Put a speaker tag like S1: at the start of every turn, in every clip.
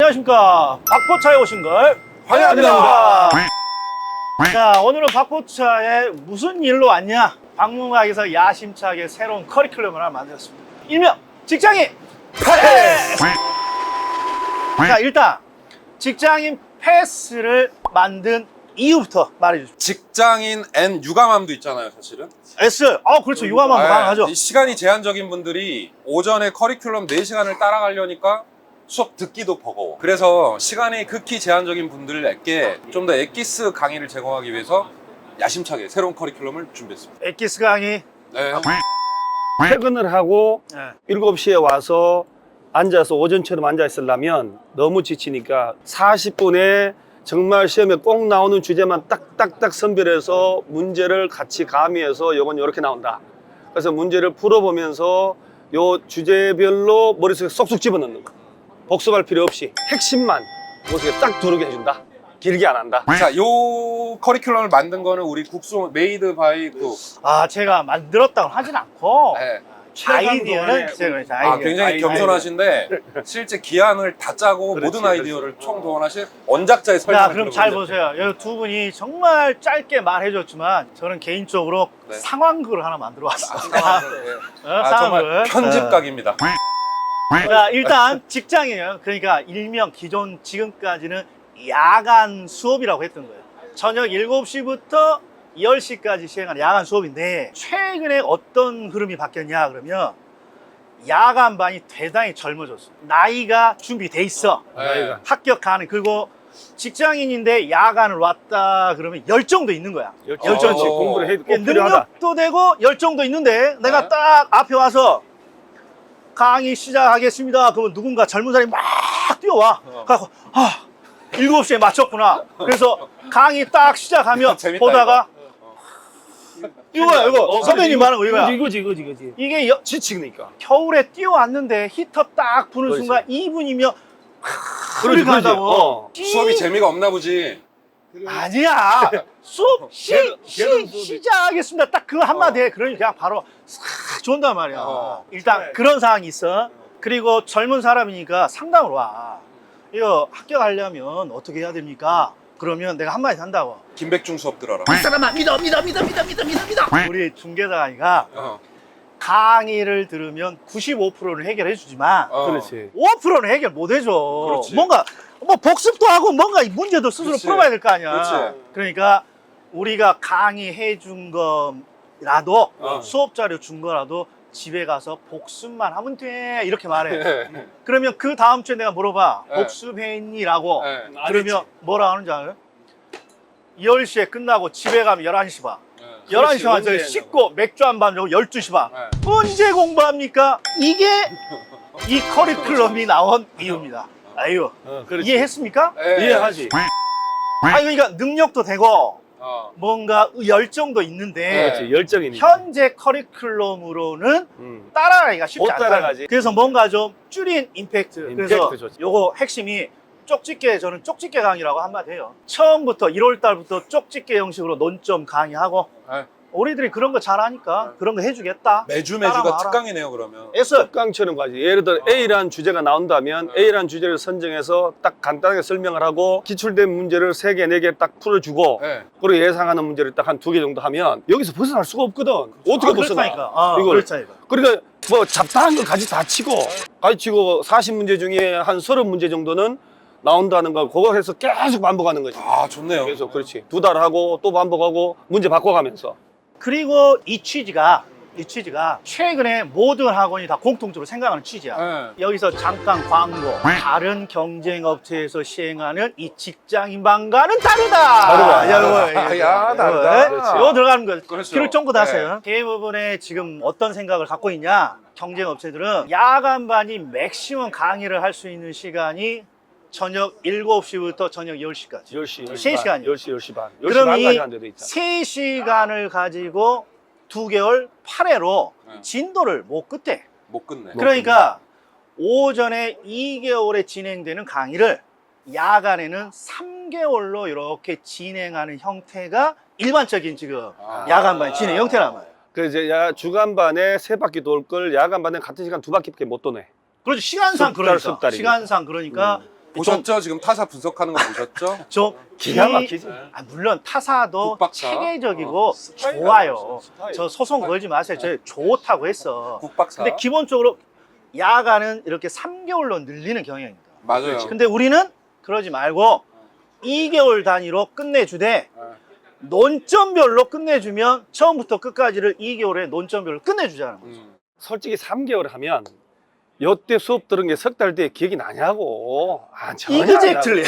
S1: 안녕하십니까. 박포차에 오신 걸
S2: 환영합니다.
S1: 자, 오늘은 박포차에 무슨 일로 왔냐? 박물관에서 야심차게 새로운 커리큘럼을 하나 만들었습니다. 일명 직장인 패스! 자, 일단 직장인 패스를 만든 이유부터 말해주십시오.
S2: 직장인 N 육아맘도 있잖아요, 사실은.
S1: S. 그렇죠. 유아만 가능하죠.
S2: 이 시간이 제한적인 분들이 오전에 커리큘럼 4시간을 따라가려니까 수업 듣기도 버거워. 그래서 시간이 극히 제한적인 분들에게 좀 더 엑기스 강의를 제공하기 위해서 야심차게 새로운 커리큘럼을 준비했습니다.
S1: 엑기스 강의.
S2: 네.
S3: 퇴근을 하고
S1: 네.
S3: 7시에 와서 앉아서 오전처럼 앉아 있으려면 너무 지치니까 40분에 정말 시험에 꼭 나오는 주제만 딱딱딱 선별해서 문제를 같이 가미해서 요건 이렇게 나온다. 그래서 문제를 풀어보면서 요 주제별로 머릿속에 쏙쏙 집어넣는 거. 복습할 필요 없이 핵심만 머릿속에 딱 들어오게 해준다. 길게 안 한다.
S2: 자, 요 커리큘럼을 만든 거는 우리 국수 메이드 바이 그
S1: 제가 만들었다고 하진 않고
S2: 네.
S1: 아이디어는 제가
S2: 굉장히 겸손하신데 실제 기한을 다 짜고
S3: 그렇지,
S2: 모든 아이디어를 총동원하신 원작자의
S1: 자,
S2: 설명을
S1: 그럼 잘
S2: 들어보세요.
S1: 보세요. 여기 두 분이 정말 짧게 말해줬지만 저는 개인적으로
S2: 네.
S1: 상황극을 하나 만들어 왔습니다.
S2: 정말
S1: 상황극.
S2: 편집각입니다.
S1: 자, 일단 직장이에요. 그러니까 일명 기존 지금까지는 야간 수업이라고 했던 거예요. 저녁 7시부터 10시까지 시행하는 야간 수업인데 최근에 어떤 흐름이 바뀌었냐 그러면 야간반이 대단히 젊어졌어요. 나이가 준비돼 있어.
S2: 네.
S1: 합격하는. 그리고 직장인인데 야간을 왔다 그러면 열정도 있는 거야.
S3: 열정치 공부를 해도 꼭 필요하다.
S1: 능력도 되고 열정도 있는데 내가
S2: 네.
S1: 딱 앞에 와서 강의 시작하겠습니다. 그러면 누군가 젊은 사람이 막 뛰어와. 그래서 7시에 맞췄구나. 그래서 강의 딱 시작하면
S2: 재밌다,
S1: 보다가 이거 선배님 말하는 거 이거야.
S3: 이거지.
S1: 이게
S3: 지치니까.
S1: 겨울에 뛰어왔는데 히터 딱 부는
S3: 그렇지.
S1: 순간 2분이면
S3: 그러지,
S1: 간다고.
S2: 수업이 재미가 없나 보지.
S1: 아니야. 수업 시작하겠습니다. 딱 그 한마디에 그러니 그냥 바로 싹 좋은단 말이야. 일단 그런 상황이 있어. 그리고 젊은 사람이니까 상담을 와. 이거 합격하려면 어떻게 해야 됩니까? 그러면 내가 한마디 한다고.
S2: 김백중 수업 들어라.
S1: 이 사람아 믿어. 우리 중개사가 강의를 들으면 95%는 해결해 주지만
S3: 그렇지.
S1: 5%는 해결 못 해줘.
S2: 그렇지.
S1: 뭔가 복습도 하고 뭔가 문제도 스스로
S2: 그렇지.
S1: 풀어봐야 될 거 아니야.
S2: 그렇지.
S1: 그러니까 우리가 강의해 준 거라도 수업 자료 준 거라도 집에 가서 복습만 하면 돼 이렇게 말해. 그러면 그 다음 주에 내가 물어봐.
S2: 네.
S1: 복습했니라고.
S2: 네.
S1: 그러면 뭐라 하는지 알아요? 10시에 끝나고 집에 가면 11시 반. 11시 반 저기 씻고 맥주 한 잔 먹고 12시 반. 언제 공부합니까? 이게 이 커리큘럼이 나온 이유입니다. 아유,
S3: 그렇지.
S1: 이해했습니까?
S3: 이해하지.
S1: 그러니까 능력도 되고 뭔가 열정도 있는데
S3: 그렇지. 열정이니까.
S1: 현재 커리큘럼으로는 따라가기가 쉽지
S3: 못
S1: 않다.
S3: 따라가지.
S1: 그래서 뭔가 좀 줄인 임팩트. 그래서
S3: 좋지.
S1: 요거 핵심이 저는 쪽집게 강의라고 한마디 해요. 처음부터 1월 달부터 쪽집게 형식으로 논점 강의하고 우리들이 그런 거 잘하니까 그런 거 해주겠다.
S2: 매주가
S1: 따라와라.
S2: 특강이네요, 그러면.
S1: S.
S3: 강처럼 가지. 예를 들어 A라는 주제가 나온다면 A라는 주제를 선정해서 딱 간단하게 설명을 하고 기출된 문제를 3개, 4개 딱 풀어주고
S2: 네.
S3: 그리고 예상하는 문제를 딱 한 2개 정도 하면 여기서 벗어날 수가 없거든. 어떻게 벗어나?
S1: 그렇다니까.
S3: 이걸.
S1: 그렇다니까.
S3: 그러니까 뭐 잡다한 걸 같이 다 치고 40문제 중에 한 30문제 정도는 나온다는 걸 그거 해서 계속 반복하는 거지.
S2: 좋네요.
S3: 계속 그렇지. 2달 하고 또 반복하고 문제 바꿔가면서.
S1: 그리고 이 취지가 최근에 모든 학원이 다 공통적으로 생각하는 취지야. 여기서 잠깐 광고. 다른 경쟁 업체에서 시행하는 이 직장인반과는 다르다.
S2: 다르다.
S3: 그렇지.
S1: 이거 들어가는 거.
S2: 그렇죠.
S1: 귀를 쫑긋 하세요. 대부분의 지금 어떤 생각을 갖고 있냐? 경쟁 업체들은 야간반이 맥시멈 강의를 할 수 있는 시간이 저녁 7시부터 저녁 10시까지.
S3: 10시,
S1: 3시간이요.
S3: 10시, 10시 반. 10시
S1: 그럼
S3: 반까지
S1: 이
S3: 한 데도 있잖아.
S1: 3시간을 가지고 2개월 8회로 진도를 못 끝내.
S2: 못 끝내.
S1: 그러니까 오전에 2개월에 진행되는 강의를 야간에는 3개월로 이렇게 진행하는 형태가 일반적인 지금 야간반 진행 형태란 말이에요.
S3: 그 이제 주간반에 3바퀴 돌 걸 야간반에 같은 시간 2바퀴밖에 못 도네.
S1: 그렇죠. 시간상 그러니까.
S3: 습달이니까.
S1: 시간상 그러니까
S2: 보셨죠? 지금 타사 분석하는 거 보셨죠?
S1: 좀
S3: 기가 막히지.
S1: 물론 타사도
S2: 국박사.
S1: 체계적이고
S3: 스타일
S1: 좋아요.
S3: 스타일.
S1: 저 소송 걸지 마세요. 저 좋다고 했어.
S2: 국박사.
S1: 근데 기본적으로 야간은 이렇게 3개월로 늘리는 경향입니다.
S2: 맞아요.
S1: 근데 우리는 그러지 말고 2개월 단위로 끝내주되 논점별로 끝내주면 처음부터 끝까지를 2개월에 논점별로 끝내주자는 거죠.
S3: 솔직히 3개월 하면 요때 수업 들은 게 석 달 뒤에 기억이 나냐고. 아, 전혀 안
S1: 이그젝틀리.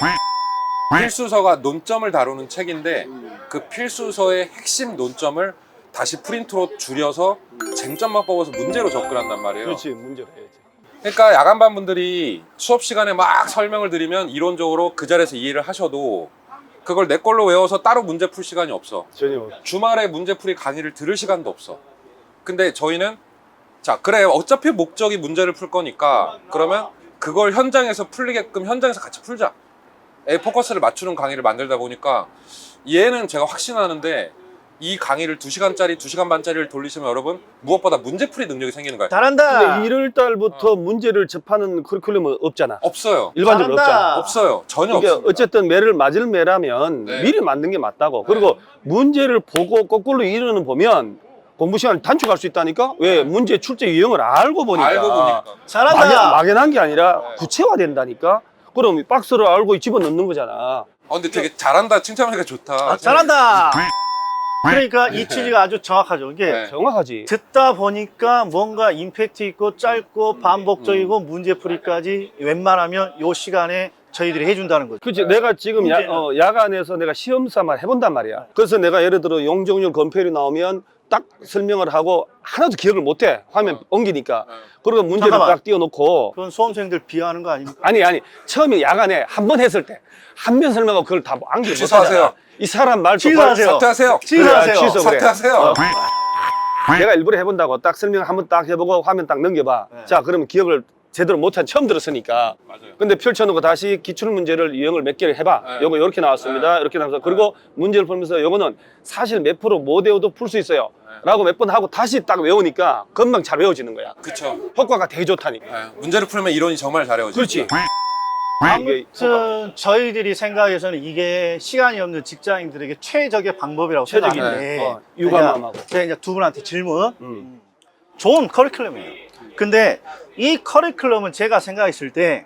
S2: 필수서가 논점을 다루는 책인데 그 필수서의 핵심 논점을 다시 프린트로 줄여서 쟁점만 뽑아서 문제로 접근한단 말이에요.
S3: 그렇지, 문제를 해야지.
S2: 그러니까 야간반 분들이 수업 시간에 막 설명을 드리면 이론적으로 그 자리에서 이해를 하셔도 그걸 내 걸로 외워서 따로 문제 풀 시간이 없어.
S3: 전혀.
S2: 주말에 문제풀이 강의를 들을 시간도 없어. 근데 저희는 자 그래 어차피 목적이 문제를 풀 거니까 그러면 그걸 현장에서 풀리게끔 현장에서 같이 풀자. 포커스를 맞추는 강의를 만들다 보니까 얘는 제가 확신하는데 이 강의를 2시간짜리, 2시간 반짜리를 돌리시면 여러분 무엇보다 문제풀이 능력이 생기는 거예요.
S1: 잘한다.
S3: 근데 1월 달부터 문제를 접하는 커리큘럼은 없잖아.
S2: 없어요.
S3: 일반적으로
S1: 잘한다.
S3: 없잖아.
S2: 없어요. 전혀
S3: 이게
S2: 없습니다.
S3: 어쨌든 매를 맞을 매라면
S2: 네.
S3: 미리 만든 게 맞다고. 그리고 문제를 보고 거꾸로 이루는 보면 공부 시간을 단축할 수 있다니까? 왜? 문제 출제 유형을 알고 보니까.
S2: 알고 보니까.
S1: 잘한다.
S3: 막연한 게 아니라
S2: 네.
S3: 구체화된다니까? 그럼 박스를 알고 집어넣는 거잖아.
S2: 근데 되게 잘한다 칭찬하니까 좋다.
S1: 아, 잘한다. 그러니까 이 취지가 아주 정확하죠. 이게
S2: 네.
S3: 정확하지.
S1: 듣다 보니까 뭔가 임팩트 있고 짧고 반복적이고 문제풀이까지 웬만하면 요 시간에 저희들이 해준다는 거죠.
S3: 그치. 내가 지금
S1: 문제는-
S3: 야간에서 내가 시험 삼아 해본단 말이야. 그래서 내가 예를 들어 용적률 검표율이 나오면 딱 설명을 하고 하나도 기억을 못해. 화면 옮기니까. 그리고 문제를
S1: 잠깐만.
S3: 딱 띄워놓고.
S1: 그건 수험생들 비하하는 거 아닙니까?
S3: 아니 처음에 야간에 한 번 했을 때 한 번 설명하고 그걸 다 암기
S2: 취소하세요.
S3: 못하잖아. 이 사람 말
S1: 취소하세요.
S2: 사퇴하세요.
S1: 취소하세요.
S3: 그래, 취소. 그래.
S2: 사퇴하세요.
S3: 내가 일부러 해본다고 딱 설명 한 번 딱 해보고 화면 딱 넘겨봐.
S1: 네.
S3: 자 그러면 기억을 제대로 못한 처음 들었으니까.
S2: 맞아요.
S3: 근데 펼쳐놓고 다시 기출문제를 유형을 몇 개를 해봐.
S2: 네.
S3: 요거 이렇게 나왔습니다. 이렇게 나와서 그리고 문제를 풀면서 요거는 사실 몇 프로 못 외워도 풀 수 있어요. 라고 몇 번 하고 다시 딱 외우니까 금방 잘 외워지는 거야.
S2: 그쵸.
S3: 효과가 되게 좋다니까.
S2: 문제를 풀면 이론이 정말 잘해요.
S3: 그렇지.
S1: 아무튼 저희들이 생각해서는 이게 시간이 없는 직장인들에게 최적의 방법이라고
S3: 최적이네.
S1: 생각하는데
S3: 유감함하고.
S1: 제가 이제 두 분한테 질문.
S3: 음.
S1: 좋은 커리큘럼이에요. 근데 이 커리큘럼은 제가 생각했을 때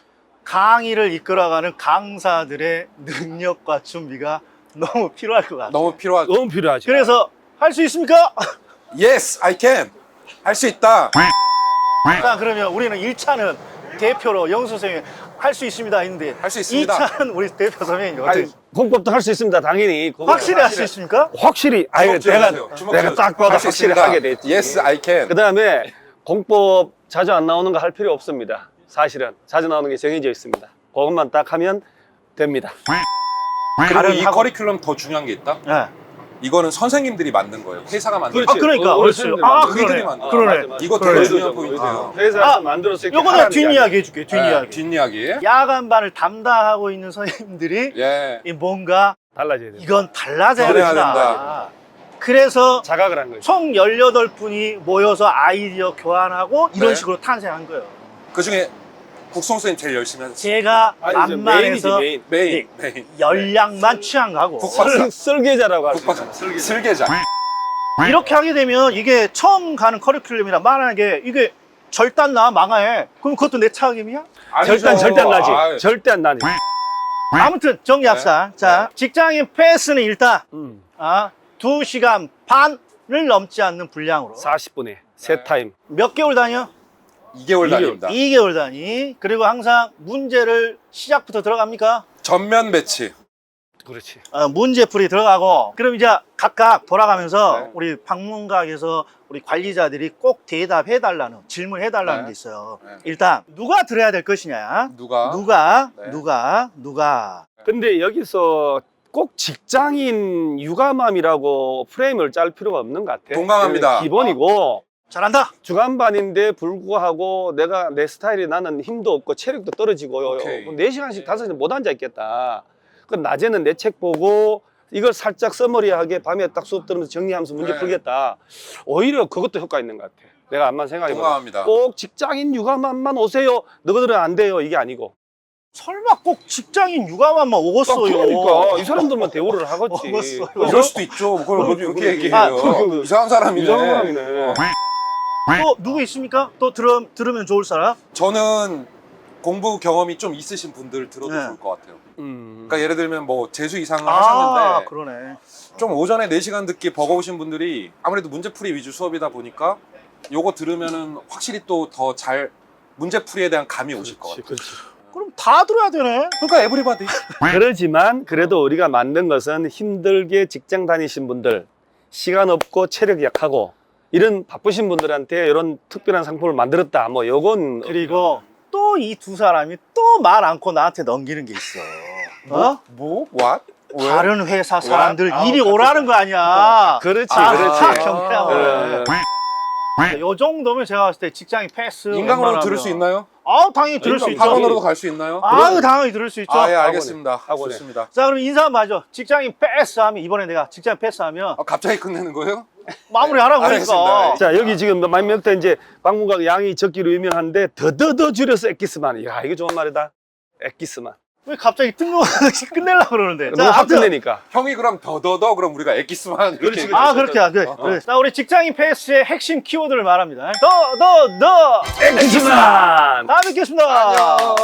S1: 강의를 이끌어가는 강사들의 능력과 준비가 너무 필요할 것 같아요.
S2: 너무 필요하죠.
S3: 너무 필요하지.
S1: 그래서 할 수 있습니까?
S2: Yes, I can. 할 수 있다.
S1: 자, 그러면 우리는 1차는 대표로 영수 선생님이 할 수 있습니다 했는데
S2: 할수 있습니다.
S1: 2차는 우리 대표 선생님이 어떻게
S3: 아니, 공법도 할 수 있습니다. 당연히. 그거
S1: 확실히 할 수 있습니까?
S3: 확실히. 아니, 내가 딱 봐도
S2: 할수
S3: 확실히
S2: 있습니다.
S3: 하게 됐지.
S2: Yes, I can.
S3: 그 다음에 공법 자주 안 나오는 거 할 필요 없습니다. 사실은 자주 나오는 게 정해져 있습니다. 그것만 딱 하면 됩니다.
S2: 그리고
S1: 다른
S2: 이
S1: 학원-
S2: 커리큘럼 더 중요한 게 있다.
S1: 네.
S2: 이거는 선생님들이 만든 거예요. 회사가 만든
S3: 그렇지.
S2: 거예요.
S1: 그러니까
S3: 어르신들
S1: 그러네.
S2: 너희들이 만든
S1: 그러네.
S2: 거야. 이거
S1: 그러네.
S2: 되게 중요한 포인트예요.
S3: 회사에서
S1: 아,
S3: 만들어서 이렇게
S1: 요거는
S3: 하라는 게
S1: 뒷이야기 해줄게. 뒷이야기.
S2: 뒷이야기.
S1: 야간반을 담당하고 있는 선생님들이
S2: 예.
S1: 이 뭔가
S3: 달라져야 돼요.
S1: 이건 달라져야
S2: 변해야
S1: 된다.
S2: 된다.
S1: 그래서
S3: 자각을 한 거죠.
S1: 총 18분이 모여서 아이디어 교환하고 이런
S2: 네.
S1: 식으로 탄생한 거예요.
S2: 그 중에 국송 선생님 제일 열심히 하셨어요.
S1: 제가
S3: 아니, 이제
S1: 만만해서
S3: 메인이지,
S2: 메인.
S1: 열량만 취한 거고
S2: 국박사.
S3: 설계자라고 할수
S2: 국박사.
S3: 있어요.
S2: 슬계자.
S1: 이렇게 하게 되면 이게 처음 가는 커리큘럼이라 만약에 이게 절단 나 망해 그럼 그것도 내 책임이야?
S3: 절대 안 나지.
S2: 아유.
S3: 절대 안 나지.
S1: 아무튼 정리합시다. 자, 직장인 패스는 일단 2시간 반을 넘지 않는 분량으로
S3: 40분에 세 타임.
S1: 몇 개월 단위요?
S2: 2개월 단위입니다.
S1: 2개월 단위. 그리고 항상 문제를 시작부터 들어갑니까?
S2: 전면 배치.
S3: 그렇지.
S1: 문제풀이 들어가고 그럼 이제 각각 돌아가면서
S2: 네.
S1: 우리 방문각에서 우리 관리자들이 꼭 대답해달라는 질문해달라는
S2: 네.
S1: 게 있어요.
S2: 네.
S1: 일단 누가 들어야 될 것이냐?
S2: 누가? 네.
S1: 누가?
S3: 근데 여기서 꼭 직장인 육아맘이라고 프레임을 짤 필요가 없는 것 같아.
S2: 동감합니다.
S3: 기본이고
S1: 잘한다.
S3: 주간반인데 불구하고 내가 내 스타일이 나는 힘도 없고 체력도 떨어지고
S2: 오케이.
S3: 4시간씩 5시간 못 앉아 있겠다. 그럼 낮에는 내 책 보고 이걸 살짝 서머리하게 밤에 딱 수업 들으면서 정리하면서 문제
S2: 네.
S3: 풀겠다. 오히려 그것도 효과 있는 것 같아. 내가 암만 생각해보면
S2: 동감합니다.
S3: 꼭 직장인 육아맘만 오세요. 너희들은 안 돼요. 이게 아니고
S1: 설마 꼭 직장인 육아만만 오겠어요.
S3: 그러니까 이 사람들만 대우를 하겠지.
S1: 먹었어요.
S2: 이럴 수도 있죠. 그걸 뭐
S3: 그러지,
S2: 그렇게
S3: 그러지.
S2: 얘기해요. 이상한 사람이네.
S3: 이상한 사람이네.
S1: 또 누구 있습니까? 또 들으면 좋을 사람?
S2: 저는 공부 경험이 좀 있으신 분들 들어도
S1: 네.
S2: 좋을 것 같아요.
S3: 음.
S2: 그러니까 예를 들면 뭐 재수 이상을
S1: 아,
S2: 하셨는데
S1: 그러네.
S2: 좀 오전에 4시간 듣기 버거우신 분들이 아무래도 문제풀이 위주 수업이다 보니까 요거 들으면은 확실히 또 더 잘 문제풀이에 대한 감이 오실 것 같아요.
S3: 그렇지.
S1: 그럼 다 들어야 되네.
S2: 그러니까 에브리바디.
S3: 그러지만 그래도 우리가 만든 것은 힘들게 직장 다니신 분들, 시간 없고 체력 약하고 이런 바쁘신 분들한테 이런 특별한 상품을 만들었다. 뭐 요건
S1: 그리고 또 이 두 사람이 또 말 않고 나한테 넘기는 게 있어. 어?
S2: What? 왜?
S1: 다른 회사 사람들
S2: 아,
S1: 이리
S2: 갑자기.
S1: 오라는 거 아니야.
S3: 그렇지,
S1: 아,
S3: 그렇지.
S1: 경쾌하고.
S3: 어.
S1: 요 정도면 제가 봤을 때 직장인 패스.
S2: 인강으로
S1: 웬만하면.
S2: 들을 수 있나요?
S1: 아, 당연히 들을 수 있죠.
S2: 학원으로도 갈 수 있나요?
S1: 아유, 당연히 들을 수 있죠.
S2: 아, 예, 알겠습니다.
S3: 학원에.
S2: 좋습니다.
S1: 자, 그럼 인사 맞아. 직장인 패스하면 이번에 내가 직장 패스하면
S2: 갑자기 끝내는 거예요?
S1: 마무리하라고
S2: 알겠습니다.
S1: 그러니까.
S3: 자, 여기 지금 몇몇 이제 방문각 양이 적기로 유명한데 더더더 줄여서 엑기스만. 야, 이거 좋은 말이다. 엑기스만.
S1: 왜 갑자기 뜬금없이 끝내려고 그러는데.
S3: 너무 확
S1: 아무튼
S3: 끝내니까.
S2: 형이 그럼 더더더 그럼 우리가 엑기스만 이렇게
S3: 그렇지,
S1: 아, 그렇게 그래. 그래. 자, 우리 직장인 패스의 핵심 키워드를 말합니다. 더
S3: 엑기스만!
S1: 다음에 뵙겠습니다.
S2: 안녕.